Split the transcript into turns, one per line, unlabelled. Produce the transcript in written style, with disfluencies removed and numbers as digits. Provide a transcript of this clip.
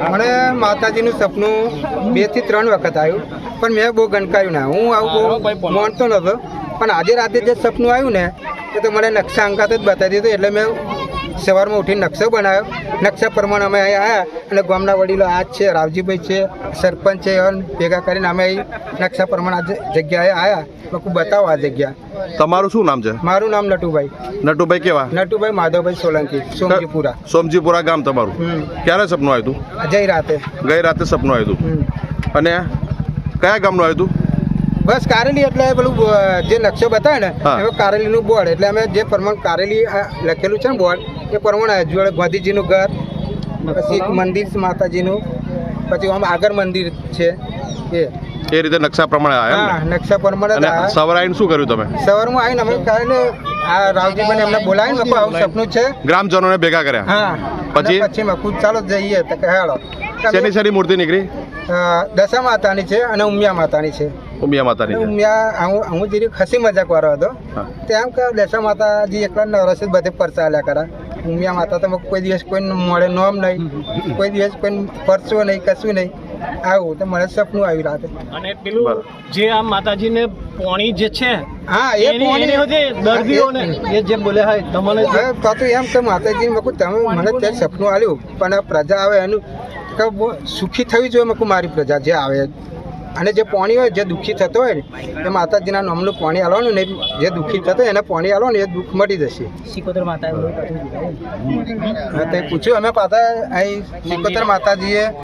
મને માતાજીનું સપનું 2 થી 3 વખત આવ્યું, પણ મેં બહુ ગણકાયું ના. હું આવું બહુ માનતો નહોતો, પણ આજે રાતે જે સપનું આવ્યું ને તો મને નકશા અંકાત જ બતાવી દીધું. એટલે મેં સવારમાં ઉઠીને નકશો બનાવ્યો. નકશા પ્રમાણે અમે અહીં આવ્યા અને ગામના વડીલો આ જ છે, રાવજીભાઈ છે, સરપંચ છે, ભેગા કરીને અમે અહીં નકશા પ્રમાણે આ જગ્યાએ આવ્યા. લોકો બતાવો આ જગ્યા.
તમારું શું નામ છે?
મારું નામ નટુભાઈ.
નટુભાઈ કેવા?
નટુભાઈ માધવભાઈ સોલંકી, સોમજીપુરા.
સોમજીપુરા ગામ તમારું. ક્યારે સપનું આવ્યું હતું?
જઈ રાતે.
ગઈ રાતે સપનું આવ્યું હતું. અને કયા ગામનું આવ્યું હતું?
બસ કારેલી. એટલે પેલું જે નકશો બતાવે ને એ કારેલીનું બોર્ડ. એટલે અમે જે પ્રમાણે કારેલી લખેલું છે ને બોર્ડ એ પ્રમાણે જોડે ગાંધીજીનું ઘર, પછી એક મંદિર માતાજીનું, પછી આમ આગળ મંદિર છે એ
રીતે નકશા પ્રમાણે આવ્યા.
હા, નકશા પ્રમાણે.
સવારે આવીને શું કર્યું તમે?
સવારમાં આવીને અમે કાલે આ રાવજીભાઈને એમને બોલાવીને આવું સપનું છે,
ગ્રામજનોને ભેગા કર્યા.
હા, પછી મેં ચાલો જઈએ તો કે હેડો.
શેની મૂર્તિ નીકળી?
દશા માતાની છે અને ઉમિયા માતાની છે.
ઉમિયા માતાની.
ઉમિયા હું જરી ખસી મજાક વાળો હતો. તેમ કે દશા માતાજી એકલા નવરસ જ બધે પરચા આલ્યા કરા. ઉમિયા માતા તો કોઈ દિવસ કોઈ મળે નોમ નહીં, કોઈ દિવસ કોઈ પરચો નહીં, કશું નહીં. આવું તો મને સપનું આવ્યું રાતે.
અને પેલું જે આ માતાજીને પોણી જે છે,
હા, એ પોણી
દર્દીઓને એ જે બોલે હોય તમને
તો એમ કે માતાજી તમે મને ત્યાં સપનું આવ્યું, પણ પ્રજા આવે એનું કે સુખી થવી જોઈએ. મેં મારી પ્રજા જે આવે અને જે પાણી હોય, જે દુઃખી થતો હોય ને એ માતાજીના નામનું પાણી આલવાનું ને, જે દુઃખી થતો હોય એને પાણી આલવાનું, એ દુઃખ મટી જશે.
સિકોતર માતા
પૂછ્યું અમે પાછા અહીં સિકોતર માતાજીએ